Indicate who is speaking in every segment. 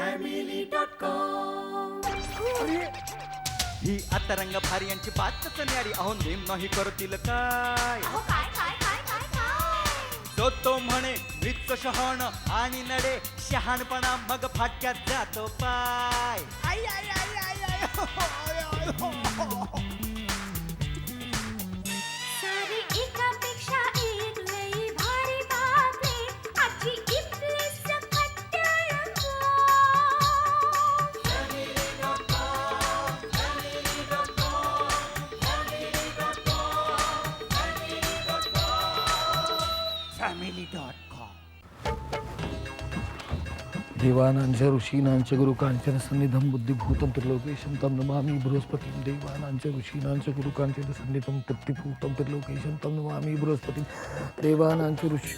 Speaker 1: ही आता रंग भारी यांची बातच न्यारी अहो नेम नाही करतील काय तो म्हणे मृत्यू शहाण आणि नडे शहाणपणा मग फाटक्यात जातो पाय आई, आई, आई, आई, आई, हो, हो, आय, आय, हो, हो.
Speaker 2: सारी एकापेक्षा एक लई भारी बातमी आजची इथली सकट रंगो.
Speaker 1: family.com
Speaker 3: देवानांच ऋषीनांच गुरुकांचन सन्निधम बुद्धिभूतं त्रिलोकेशं तं नमामि बृहस्पतिं देवानांच ऋषीनांच गुरुकांचन सन्निधम बुद्धिभूतं त्रिलोकेशं तं नमामि बृहस्पतिं देवानांच ऋषी.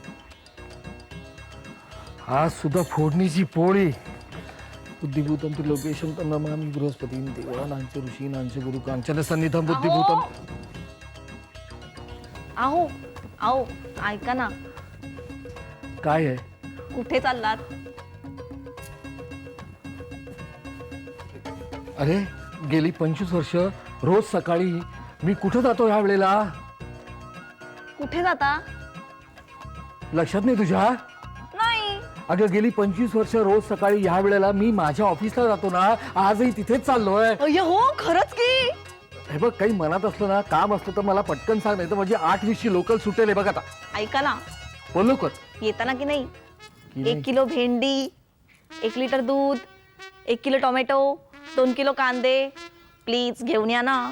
Speaker 3: आज सुद्धा फोडणीची पोळी. बुद्धिभूतं त्रिलोकेशं तं नमामि बृहस्पतिं देवानांच ऋषीनांच गुरुकांचन सन्निधम बुद्धिभूतं.
Speaker 4: आहो आहो ऐका ना,
Speaker 3: काय आहे?
Speaker 4: कुठे चाललात?
Speaker 3: अरे गेली 25 वर्ष रोज सकाळी मी कुठं जातो ह्या वेळेला?
Speaker 4: कुठे जाता?
Speaker 3: लक्षात नाही तुझ्या?
Speaker 4: नाही.
Speaker 3: अगं गेली 25 वर्ष रोज सकाळी ह्या वेळेला मी माझ्या ऑफिसला जातो ना, आजही तिथेच चाललोय.
Speaker 4: अय्या हो, खरंच की?
Speaker 3: हे बघ, काही मनात असलं ना, काम असलं तर मला पटकन सांग, नाही तर म्हणजे 8:20 लोकल सुटेल. हे बघ आता
Speaker 4: ऐका ना,
Speaker 3: बोल लवकर.
Speaker 4: येताना की नाही
Speaker 3: की नाही?
Speaker 4: 1 किलो भेंडी, 1 लिटर दूध, 1 किलो टोमॅटो, 2 किलो कांदे प्लीज घेऊन या ना.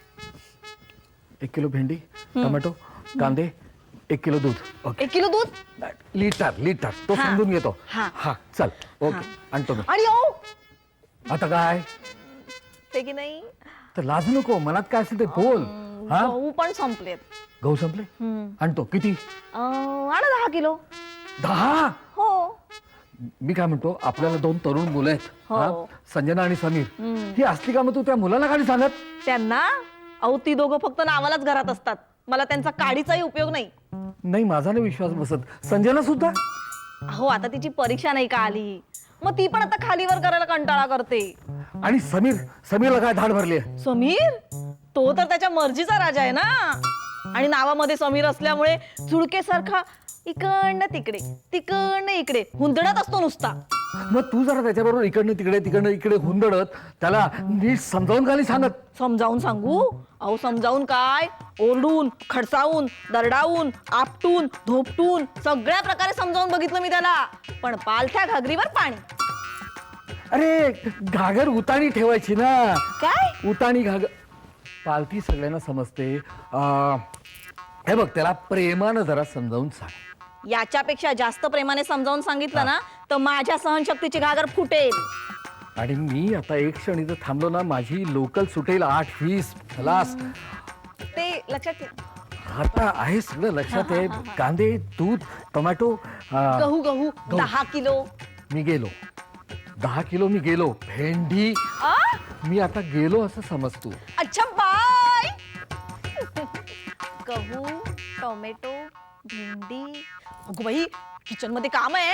Speaker 3: 1 किलो भेंडी, टोमॅटो, कांदे, 1 किलो दूध.
Speaker 4: 1 किलो दूध
Speaker 3: लिटर तो
Speaker 4: हा.
Speaker 3: समजून घेतो.
Speaker 4: हा.
Speaker 3: हा चल, ओके,
Speaker 4: हा.
Speaker 3: आणतो मी.
Speaker 4: आणि ओ
Speaker 3: आता काय
Speaker 4: ते की नाही
Speaker 3: तर लाजू नको, मनात काय असेल ते बोल. हा,
Speaker 4: गहू पण संपलेत.
Speaker 3: गहू संपले? आणतो. किती?
Speaker 4: आणा 10 किलो.
Speaker 3: 10?
Speaker 4: हो.
Speaker 3: मी काय म्हणतो, आपल्याला 2 तरुण मुलं आहेत,
Speaker 4: हो.
Speaker 3: हा? संजना आणि समीर. ही असली कामं तू त्या मुलाला काय सांगत?
Speaker 4: त्यांना अहो ती दोघं फक्त नावालाच घरात असतात. मला त्यांचा काडीचाही उपयोग नाही.
Speaker 3: नाही, माझा नाही विश्वास बसत. संजना सुद्धा?
Speaker 4: हो, आता तिची परीक्षा नाही का आली, मग ती पण आता खालीवर करायला कंटाळा करते.
Speaker 3: आणि समीरला काय धाड भरली आहे?
Speaker 4: समीर तो तर त्याच्या मर्जीचा राजा आहे ना, आणि नावामध्ये समीर असल्यामुळे चुडकेसारखा इकडनं तिकडे तिकडनं इकडे हुंदडत असतो नुसता.
Speaker 3: मग तू जरा त्याच्याबरोबर तिकडनं इकडे हुंदडत त्याला नीट समजावून का नाही सांगत?
Speaker 4: समजावून सांगू? अहो समजावून काय, ओरडून, खडसावून, दरडावून, आपटून, धोपटून सगळ्या प्रकारे समजावून बघितलं मी त्याला, पण पालथ्या घागरीवर पाणी.
Speaker 3: अरे घागर उताणी ठेवायची ना.
Speaker 4: काय?
Speaker 3: उताणी घागर पालथी सगळ्यांना समजते. हे बघ, त्याला प्रेमानं जरा समजावून सांग.
Speaker 4: याच्यापेक्षा जास्त प्रेमाने समजावून सांगितलं ना तर माझ्या सहनशक्तीची घागर फुटेल.
Speaker 3: आणि मी आता एक क्षण इथं थांबलो ना, माझी लोकल सुटेल 8:20. खलास.
Speaker 4: ते लक्षात ठेव.
Speaker 3: आता आहे सगळं लक्षात आहे. कांदे, दूध, टोमॅटो,
Speaker 4: गहू 10 किलो.
Speaker 3: मी गेलो 10 किलो. मी गेलो. भेंडी
Speaker 4: आ?
Speaker 3: मी आता गेलो असं समज तू.
Speaker 4: अच्छा बाय. गहू, टोमॅटो, भेंडी. अगं बाई, किचन मध्ये काम आहे.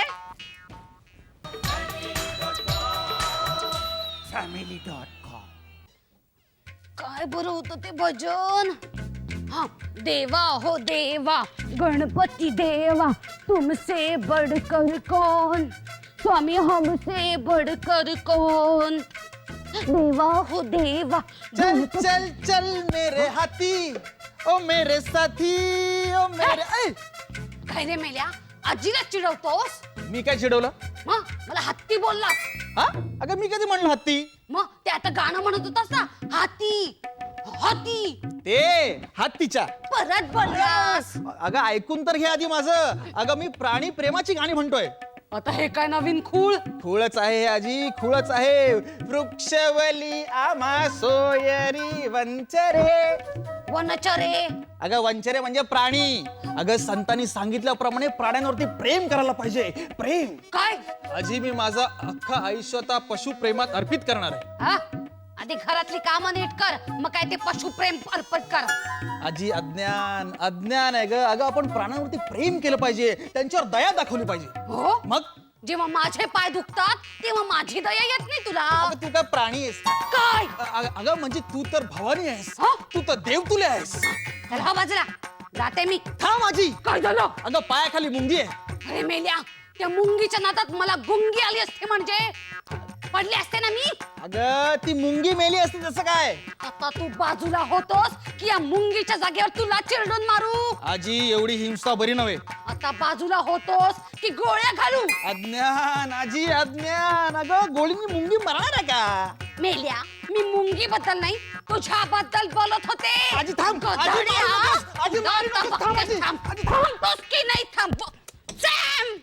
Speaker 1: family.com
Speaker 5: काय बरं होतं ते भजन. हा, देवा हो देवा, गणपति देवा, तुमसे बढ़कर कौन, स्वामी हमसे बढ़कर कौन. देवा हो देवा.
Speaker 1: चल चल चल मेरे हाथी ओ मेरे साथी ओ मेरे ऐ!
Speaker 5: काय रे मेल्या, आजीला चिडवतोस?
Speaker 1: मी काय चिडवलं?
Speaker 5: मग मला हत्ती बोललास.
Speaker 1: हा, अगं मी कधी म्हणलं हत्ती?
Speaker 5: मग ते आता गाणं म्हणत होतास ना, हाती हाती,
Speaker 1: ते हत्तीच्या.
Speaker 5: परत बोललास.
Speaker 1: अगं ऐकून तर घे आधी माझं. अगं मी प्राणी प्रेमाची गाणी म्हणतोय.
Speaker 5: आता हे काय नवीन खूळ?
Speaker 1: खुळच आहे आजी, खुळच आहे. वृक्षवली आम्हा सोयरी वंचरे.
Speaker 5: वनचरे.
Speaker 1: अगं वंचरे म्हणजे प्राणी. अगं संतांनी सांगितल्याप्रमाणे प्राण्यांवरती प्रेम करायला पाहिजे. प्रेम.
Speaker 5: काय?
Speaker 1: आजी मी माझं अख्खं आयुष्य आता पशुप्रेमात अर्पित करणार आहे.
Speaker 5: हा? आधी घरातली कामं नीट कर, मग काय ते पशुप्रेम अर्पण कर.
Speaker 1: आजी अज्ञान आहे ग. अगं आपण प्राण्यांवरती प्रेम केलं पाहिजे, त्यांच्यावर दया दाखवली पाहिजे.
Speaker 5: हो?
Speaker 1: मग
Speaker 5: जेव्हा माझे पाय दुखतात तेव्हा माझी दया येत नाही तुला.
Speaker 6: अगं तू काय प्राणी आहेस
Speaker 5: काय
Speaker 6: अगं म्हणजे तू तर भवानी आहेस
Speaker 5: हा?
Speaker 6: तू तर देव तुले आहेस.
Speaker 5: चला हा बाजूला जाते मी.
Speaker 6: थांब माझी.
Speaker 5: काय झालं?
Speaker 6: अगं पायाखाली मुंगी आहे.
Speaker 5: अरे मेल्या, त्या मुंगीच्या नादात मला गुंगी आली असते म्हणजे पडले असते ना मी.
Speaker 6: अगं ती मुंगी मेली असती तसं काय.
Speaker 5: आता तू बाजूला होतोस की या मुंगीच्या जागेवर तुला चिरडून मारू.
Speaker 6: आजी एवढी हिंसा बरी नव्हे.
Speaker 5: आता बाजूला होतोस की गोळ्या घालू.
Speaker 6: अज्ञान आजी अज्ञान. अगं गोळीनी मुंगी मरणार आहे का.
Speaker 5: मेल्या, मी मुंगी बद्दल नाही तुझ्या बद्दल बोलत होते.
Speaker 6: आजी थांब. आजी
Speaker 5: गधड्या.
Speaker 6: मारू नकोस. आजी मारू
Speaker 5: आता
Speaker 6: नकोस. थांब आजी.
Speaker 5: थांब.
Speaker 6: आजी थांब.
Speaker 5: थांबतोस की नाही थांब. सॅम!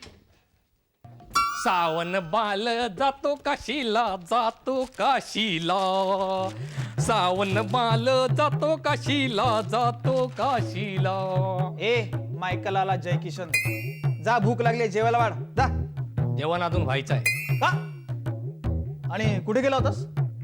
Speaker 7: सावन बाल जातो काशीला जातो काशीला सावन बाल जातो काशीला
Speaker 6: ए मायकलाला जय किशन जा भूक लागली जेवायला वाढ जा.
Speaker 7: जेवण अजून व्हायचं आहे.
Speaker 6: का आणि कुठे गेला होतास.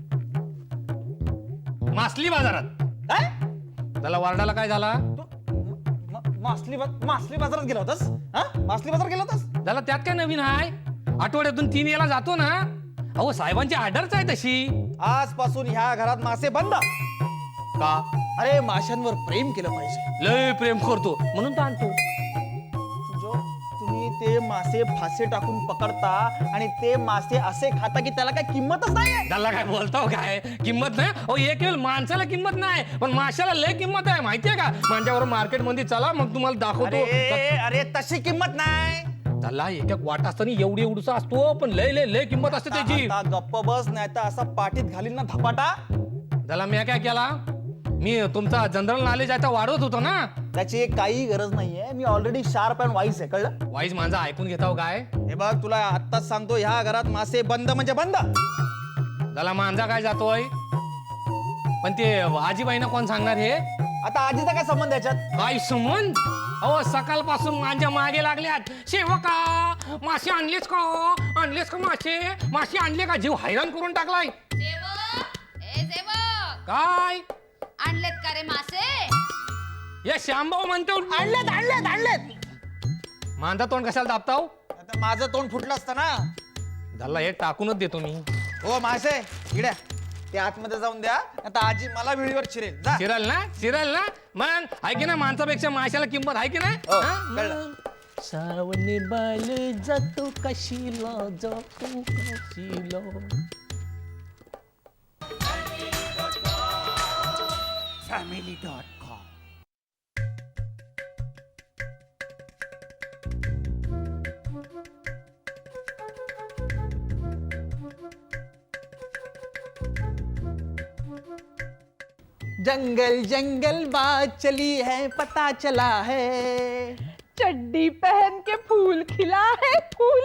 Speaker 7: मासली बाजारात.
Speaker 6: काय
Speaker 7: त्याला वारडाला काय झाला.
Speaker 6: मासली बाजारात गेला होतास. हा मासली बाजार गेला होतास.
Speaker 7: त्याला त्यात काय नवीन आहे. आठवड्यातून 3 वेळा जातो ना. अहो साहेबांची ऑर्डरच आहे तशी.
Speaker 6: आजपासून ह्या घरात मासे बंद.
Speaker 7: का
Speaker 6: अरे माशांवर प्रेम केलं पाहिजे.
Speaker 7: लय प्रेम करतो म्हणून तर आणतो.
Speaker 6: जो तुम्ही ते मासे फासे टाकून पकडता आणि ते मासे असे खाता की त्याला काय किंमतच नाहीये.
Speaker 7: त्याला काय बोलताव काय किंमत नाही. अहो एक वेळ माणसाला किंमत नाही पण माशाला लय किंमत आहे माहितीये का. माझ्यावर मार्केट मध्ये चला मग तुम्हाला दाखवतो.
Speaker 6: अरे तशी किंमत नाही.
Speaker 7: त्याला एक एक वाट असताना एवढीसा असतो पण लय लय लय किंमत असते त्याची.
Speaker 6: आता गप्प बस नाही तर असा पाठीत घालीन ना धपाटा.
Speaker 7: त्याला मी काय केला. मी तुमचा जनरल नॉलेज आता वाढवत होतो ना.
Speaker 6: त्याची काही गरज नाहीये. मी ऑलरेडी शार्प अँड वाईस आहे कळलं.
Speaker 7: वाईज माझा ऐकून घेताव काय.
Speaker 6: हे बघ तुला आत्ताच सांगतो ह्या घरात मासे बंद म्हणजे बंद.
Speaker 7: त्याला मांजा काय जातोय पण ते आजीबाईना कोण सांगणार हे.
Speaker 6: आता आजीचा काय संबंध याच्यात.
Speaker 7: काय संबंध. अहो सकाळपासून माझ्या मागे लागल्यात. सेवका मासे आणलेच का मासे आणले का. जीव हैराण करून टाकलाय. काय
Speaker 5: आणलेत का रे मासे.
Speaker 7: या श्यामभाऊ म्हणतो
Speaker 6: आणलेत.
Speaker 7: मांजा तोंड कशाला दाबताव.
Speaker 6: आता माझं तोंड फुटलं असतं ना.
Speaker 7: त्याला हे टाकूनच देतो मी.
Speaker 6: हो मासे इड्या ते आतमध्ये जाऊन द्या. आता आजी मला विळीवर चिरेल जा.
Speaker 7: चिरल ना मग आहे की ना. माणसापेक्षा माशाला किंमत आहे की नाही.
Speaker 6: हो,
Speaker 7: हा?
Speaker 6: कळलं.
Speaker 7: मग. सावने बाल जातो काशीला
Speaker 6: जंगल जंगल बात चली है पता चला है.
Speaker 4: चड्डी पहन के फूल खिला है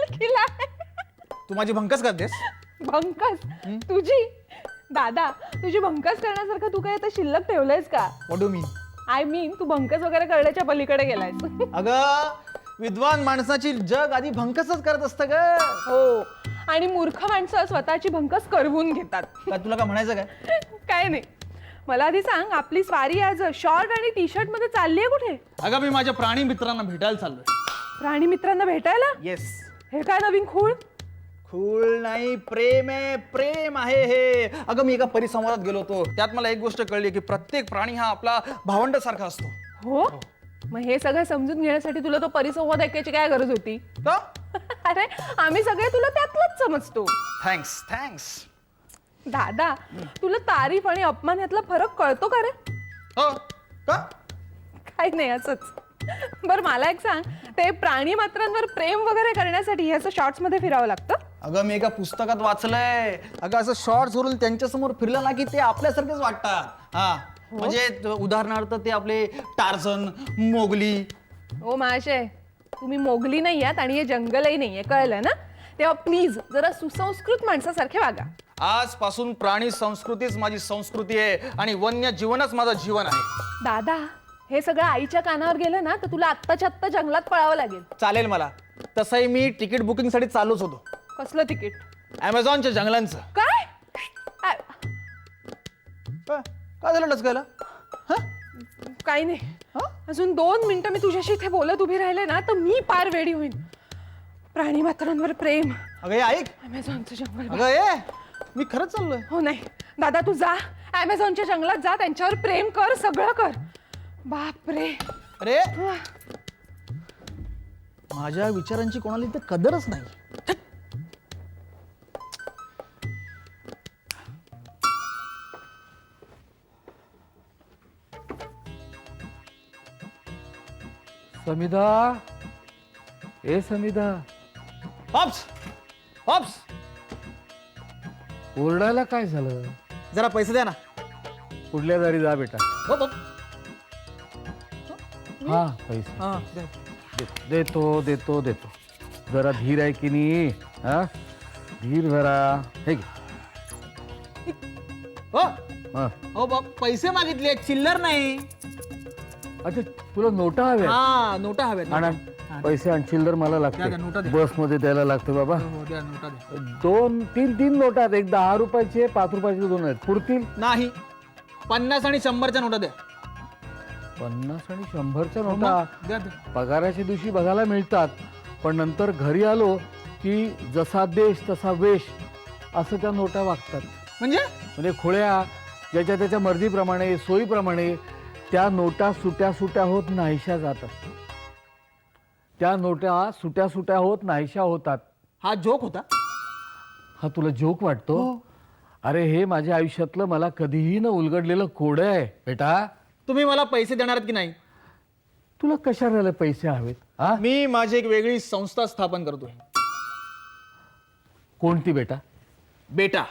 Speaker 6: तू माझी भंकस करतेस.
Speaker 4: भंकस तुझी. दादा तुझी भंकस करण्यासारखं तू काय आता शिल्लक ठेवलंयस का.
Speaker 6: What do mean.
Speaker 4: I mean तू भंकस वगैरे करण्याच्या पलीकडे गेलायस.
Speaker 6: अगं विद्वान माणसाची जग आधी भंकसच करत असतं ग.
Speaker 4: हो आणि मूर्ख माणसं स्वतःची भंकस करवून घेतात.
Speaker 6: काय तुला काय म्हणायचं काय.
Speaker 4: काय नाही. मला आधी सांग आपली स्वारी आज शॉर्ट आणि टी शर्ट मध्ये चालली आहे कुठे.
Speaker 6: अगं मी माझ्या प्राणी मित्रांना भेटायला चाललोय.
Speaker 4: प्राणी मित्रांना भेटायला.
Speaker 6: येस.
Speaker 4: हे काय नवीन खूळ.
Speaker 6: खूळ नाही प्रेम आहे हे. अगं मी एका परिसंवादात गेलो होतो. त्यात मला एक गोष्ट कळली की प्रत्येक प्राणी हा आपला भावंड सारखा असतो.
Speaker 4: हो मग हे सगळं समजून घेण्यासाठी तुला तो परिसंवाद ऐकायची काय गरज होती.
Speaker 6: का.
Speaker 4: अरे आम्ही सगळे तुला त्यातलंच समजतो.
Speaker 6: थँक्स.
Speaker 4: दादा तुला तारीफ आणि अपमान यातला फरक कळतो का रे.
Speaker 6: हो का.
Speaker 4: काही नाही असंच. बरं मला एक सांग ते प्राणी मात्रांवर प्रेम वगैरे करण्यासाठी हे असं शॉर्ट्स मध्ये फिरावं लागतं.
Speaker 6: अगं मी एका पुस्तकात वाचलंय. अगं असं शॉर्ट्स वरून त्यांच्या समोर फिरलं ना की ते आपल्यासारखेच वाटतात. हा म्हणजे उदाहरणार्थ ते आपले टार्झन मोगली.
Speaker 4: ओ माशे तुम्ही मोगली नाही आहात आणि हे जंगलही नाहीये कळलं ना. तेव्हा प्लीज जरा सुसंस्कृत माणसासारखे वागा.
Speaker 6: आजपासून प्राणी संस्कृतीच माझी संस्कृती आहे आणि वन्य जीवनच माझं जीवन आहे.
Speaker 4: दादा हे सगळं आईच्या कानावर गेलं ना तर तुला आत्ताच्या आत्ता जंगलात पळावं लागेल.
Speaker 6: चालेल मला. तसंही मी तिकीट बुकिंग साठी चालूच होतो.
Speaker 4: कसलं तिकीट.
Speaker 6: अमेझॉनच्या जंगलांचं.
Speaker 4: काय
Speaker 6: काय झालं डचकायला.
Speaker 4: काही नाही. अजून 2 मिनिटं मी तुझ्याशी इथे बोलत उभी राहिले ना तर मी पार वेडी होईन.
Speaker 8: प्राणी मात्रांवर प्रेम
Speaker 6: अगं हे ऐक,
Speaker 8: अमेझॉनचं जंगल
Speaker 6: अगं ये, मी खरंच चाललोय.
Speaker 8: हो नाही दादा तू जा अमेझॉनच्या जंगलात जा त्यांच्यावर प्रेम कर सगळं कर बापरे
Speaker 6: अरे माझ्या विचारांची कोणाला इथे कदरच नाही.
Speaker 3: समिधा, ए समिधा,
Speaker 6: पॉप्स पॉप्स
Speaker 3: ओरडायला काय झालं?
Speaker 6: जरा पैसे द्या ना.
Speaker 3: कुठल्या दारी जा बेटा.
Speaker 6: हो, हो.
Speaker 3: हा पैसे
Speaker 6: हा, द्या.
Speaker 3: देतो देतो देतो. जरा धीर आहे की नाही? हा धीर जरा. हे घे.
Speaker 6: हो
Speaker 3: हा.
Speaker 6: हो बाप, पैसे मागितले चिल्लर नाही.
Speaker 3: अच्छा तुला नोटा हव्या?
Speaker 6: हा नोटा हव्यात.
Speaker 3: आण,
Speaker 6: हा,
Speaker 3: पैसे आणि चिल्लर मला
Speaker 6: द्या, द्या, नोटा
Speaker 3: लागते.
Speaker 6: द्या.
Speaker 3: बसमध्ये द्यायला लागतं बाबा.
Speaker 6: हो, द्या नोटा द्या.
Speaker 3: 2-3 नोटा आहेत. एक 10 रुपयाची आहे, 5 रुपयाची 2 आहेत. पुरतील?
Speaker 6: नाही 50 आणि 100च्या नोटा द्या.
Speaker 3: 50 आणि 100च्या
Speaker 6: हो,
Speaker 3: नोटा
Speaker 6: मग द्या, द्या.
Speaker 3: पगाराच्या दिवशी बघायला मिळतात, पण नंतर घरी आलो की जसा देश तसा वेश असं त्या नोटा वागतात.
Speaker 6: म्हणजे
Speaker 3: खोळ्या ज्याच्या त्याच्या मर्जीप्रमाणे सोयीप्रमाणे त्या नोटा सुट्या सुट्या होत नाहीशा जातात. त्या नोटा सुट्या सुट्या होत नाहीशा होतात.
Speaker 6: हा जोक होता.
Speaker 3: हा तुला जोक वाटतो? अरे हे माझ्या आयुष्यातलं मला कधीही न उलगडलेलं कोडं आहे बेटा.
Speaker 6: तुम्ही मला पैसे देणार आहेत की नाही?
Speaker 3: तुला कशाला पैसे हवेत? हा
Speaker 6: मी माझी एक वेगळी संस्था स्थापन करतोय.
Speaker 3: कोणती बेटा?
Speaker 6: बेटा.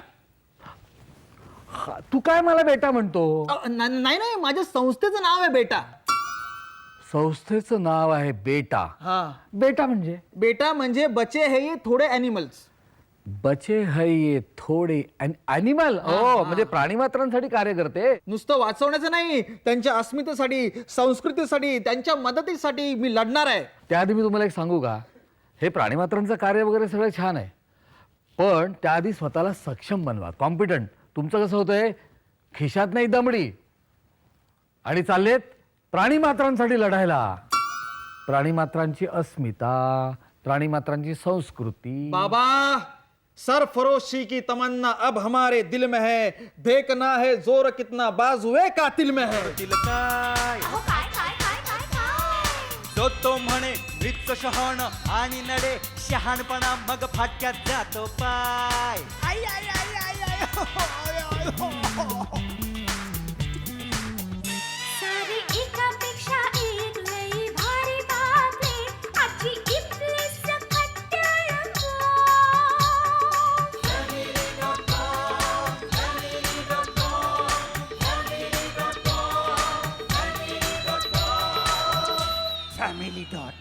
Speaker 3: तू काय मला बेटा म्हणतो?
Speaker 6: नाही नाही माझ्या संस्थेचं नाव आहे बेटा.
Speaker 3: संस्थेचं नाव आहे बेटा.
Speaker 6: हा
Speaker 3: बेटा म्हणजे?
Speaker 6: बेटा म्हणजे बचे है ये थोडे ॲनिमल्स.
Speaker 3: बचे है ये थोडे ॲनिमल. हो म्हणजे प्राणी मात्रांसाठी कार्य करते.
Speaker 6: नुसतं वाचवण्याचं नाही, त्यांच्या अस्मितेसाठी संस्कृतीसाठी त्यांच्या मदतीसाठी मी लढणार आहे.
Speaker 3: त्याआधी मी तुम्हाला एक सांगू का? हे प्राणी मात्रांचं कार्य वगैरे सगळं छान आहे, पण त्याआधी स्वतःला सक्षम बनवा, कॉम्पिटंट. तुमचं कसं होतंय? खिशात नाही दमडी आणि चाललेत प्राणी मात्रांसाठी लढायला. प्राणी मात्रांची अस्मिता, प्राणी मात्रांची संस्कृती.
Speaker 6: बाबा सरफरोशी की तमन्ना अब हमारे दिल में है, देखना है जोर कितना बाजुए कातिल में है.
Speaker 1: दिल काय
Speaker 2: अहो काय काय काय काय काय
Speaker 1: जो तो म्हणे मृत शहाण आणि नडे शहाणपणा मग फाटक्यात जातो पाय. आई आई आई आई आई हो, आय, आय, हो, हो.
Speaker 2: सारी एकापेक्षा एक लई भारी बातमी आजची इथली सकट रंगो.
Speaker 1: Family.com